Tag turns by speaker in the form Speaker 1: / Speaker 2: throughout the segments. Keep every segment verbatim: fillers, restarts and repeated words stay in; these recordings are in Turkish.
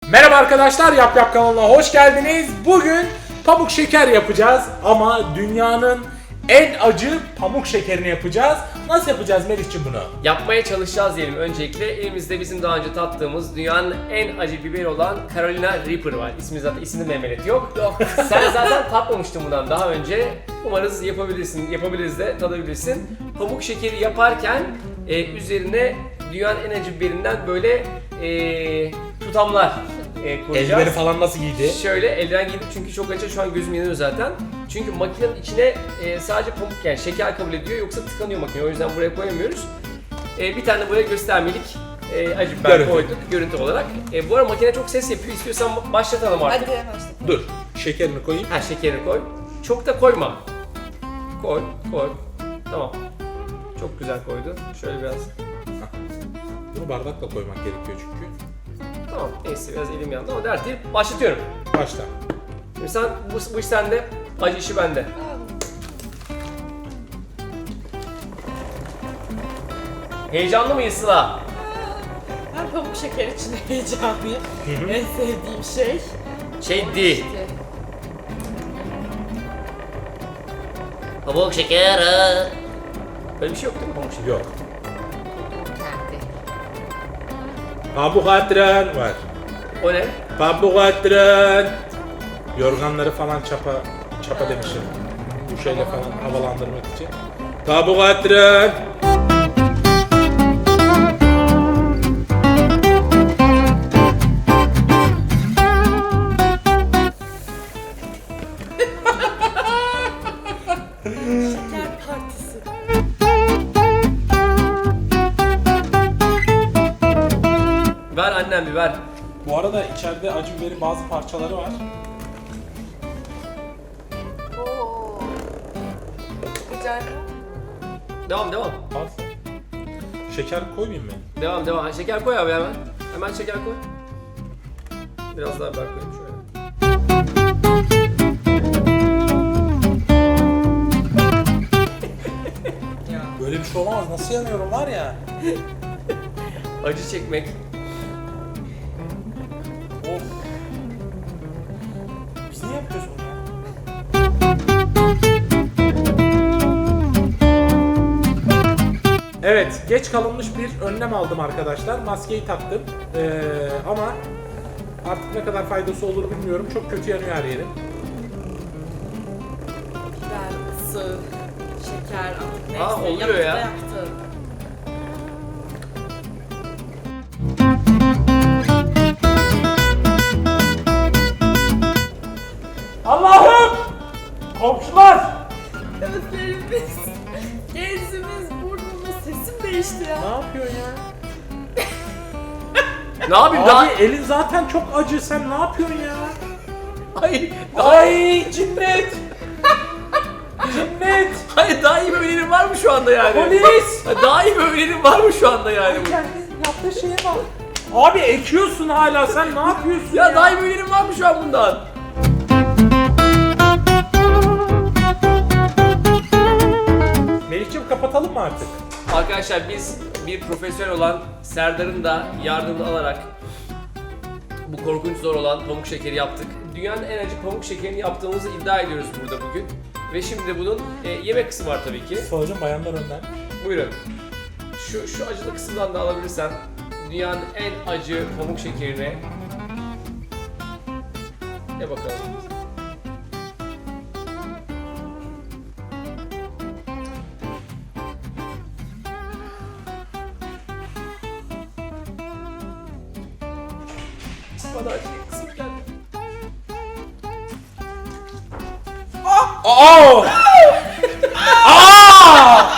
Speaker 1: Merhaba arkadaşlar, Yap Yap kanalına hoş geldiniz. Bugün pamuk şeker yapacağız ama dünyanın en acı pamuk şekerini yapacağız. Nasıl yapacağız Melih'ciğim bunu?
Speaker 2: Yapmaya çalışacağız diyelim öncelikle. Elimizde bizim daha önce tattığımız dünyanın en acı biberi olan Carolina Reaper var. İsmi zaten isminde memelet yok. Yok. Sen zaten tatmamıştın bundan daha önce. Umarız yapabilirsin, yapabiliriz de tadabilirsin. Pamuk şekeri yaparken e, üzerine dünyanın en acı biberinden böyle e, tutamlar e, koyacağız.
Speaker 1: Eldiven'i falan nasıl giydi?
Speaker 2: Şöyle eldiven giydim çünkü çok acı, şu an gözüm yanıyor zaten. Çünkü makinenin içine e, sadece pamuk, yani şeker kabul ediyor, yoksa tıkanıyor makine, o yüzden buraya koyamıyoruz. E, bir tane buraya göstermelik e, acı biber
Speaker 1: Görüntü.
Speaker 2: koyduk görüntü olarak. E, bu arada makine çok ses yapıyor, istiyorsan başlatalım artık.
Speaker 3: Hadi başla.
Speaker 1: Dur, şekerini koyayım.
Speaker 2: Ha, şekerini koy. Çok da koyma. Koy, koy. Tamam. Çok güzel koydu. Şöyle biraz.
Speaker 1: Bunu bardakla koymak gerekiyor çünkü.
Speaker 2: Tamam, neyse biraz elim yandı ama dert değil. Başlatıyorum.
Speaker 1: Başla.
Speaker 2: Şimdi sen, bu, bu iş sende, acı işi bende. Heyecanlı mıyız Sıla?
Speaker 3: Ben pamuk şeker için heyecanlıyım. En sevdiğim şey.
Speaker 2: Şey değil.
Speaker 3: İşte.
Speaker 2: Pamuk şekeri. Böyle bir şey yok değil mi pamuk şekeri?
Speaker 1: Yok.
Speaker 3: Kendi.
Speaker 1: Pamuk attıran var.
Speaker 2: O ne?
Speaker 1: Pamuk attıran. Yorganları falan çapa, çapa demişim. Bu şeyle falan havalandırmak için. Pamuk attıran.
Speaker 3: Şeker partisi.
Speaker 2: Ver annem bir ver.
Speaker 1: Bu arada içeride acı biberin bazı parçaları var.
Speaker 3: Oo. Güzel.
Speaker 2: Devam devam.
Speaker 1: Az. Şeker koymayayım mı?
Speaker 2: Devam devam. Şeker koy abi hemen. Hemen şeker koy. Biraz daha biber koyayım şöyle.
Speaker 1: Böyle bir şey olamaz. Nasıl yanıyorum var ya.
Speaker 2: Acı çekmek.
Speaker 1: Of. Biz niye yapıyoruz bunu ya? Evet, geç kalınmış bir önlem aldım arkadaşlar. Maskeyi taktım. Ee, ama artık ne kadar faydası olur bilmiyorum. Çok kötü yanıyor her yerim.
Speaker 3: Biber, ısı, şeker artık neyse.
Speaker 2: Aa, oluyor
Speaker 3: yaptı
Speaker 2: ya.
Speaker 3: da Yaptı.
Speaker 1: Allah'ım! Komşular!
Speaker 3: Gözlerimiz, gezimiz, burnumuz, sesim değişti ya.
Speaker 1: Ne yapıyorsun ya?
Speaker 2: Ne yapayım
Speaker 1: Abi
Speaker 2: daha?
Speaker 1: elin zaten çok acı. Sen ne yapıyorsun ya?
Speaker 2: Hayır.
Speaker 1: Ay cinnet! Cinnet!
Speaker 2: Hayır, daha iyi bir önerim var mı şu anda yani?
Speaker 1: Polis!
Speaker 2: Daha iyi bir önerim var mı şu anda yani?
Speaker 1: Kendin yaptığı şeye bak. Abi ekiyorsun hala, sen ne yapıyorsun ya?
Speaker 2: Ya daha iyi bir önerim var mı şu an bundan?
Speaker 1: Melih'ciğim kapatalım mı artık?
Speaker 2: Arkadaşlar biz bir profesyonel olan Serdar'ın da yardımını alarak bu korkunç zor olan pamuk şekeri yaptık. Dünyanın en acı pamuk şekerini yaptığımızı iddia ediyoruz burada bugün. Ve şimdi bunun e, yemek kısmı var tabii ki.
Speaker 1: Soracağım bayanlar önden.
Speaker 2: Buyurun. Şu şu acılı kısımdan da alabilirsen dünyanın en acı pamuk şekerini. Ne bakalım. Bana acı kısmı geldi.
Speaker 1: Aa! Aa!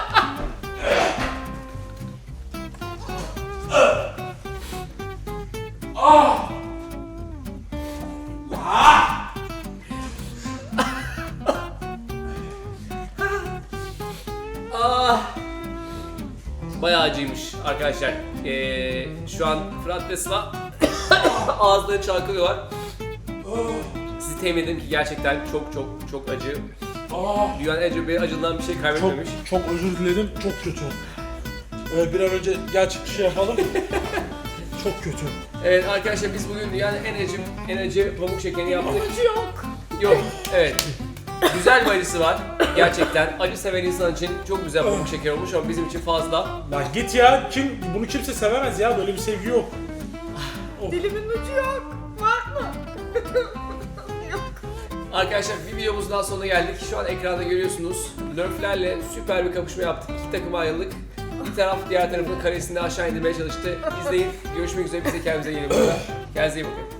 Speaker 2: Ah! Bayağı acıymış arkadaşlar. Ee, şu an Fırat ve Sıla ağızları çalkalıyorlar. Sizi temin ederim ki gerçekten çok çok çok acı.
Speaker 1: Aa!
Speaker 2: Dünyanın en acı, acından bir şey
Speaker 1: Çok,
Speaker 2: kaybetmemiş.
Speaker 1: çok özür dilerim, çok kötü. Ee, bir an önce gel çıkışı yapalım. Çok kötü.
Speaker 2: Evet arkadaşlar biz bugün dünyanın en acı, en acı pamuk şekerini yaptık.
Speaker 3: Acı yok.
Speaker 2: Yok, evet. Güzel bir acısı var. Gerçekten acı seven insan için çok güzel pamuk şeker olmuş ama bizim için fazla.
Speaker 1: Lan git ya. Kim bunu kimse sevemez ya. Böyle bir sevgi yok.
Speaker 3: Dilimin ucu yok. Var mı? Yok.
Speaker 2: Arkadaşlar bir videomuzun daha sonuna geldik. Şu an ekranda görüyorsunuz. Nerf'lerle süper bir kapışma yaptık. İki takıma ayrıldık. Bir taraf diğer tarafın karesini aşağı indirmeye çalıştı. İzleyin. Görüşmek üzere. Biz de kendimize yeni bakıyoruz. Kendinize iyi bakın.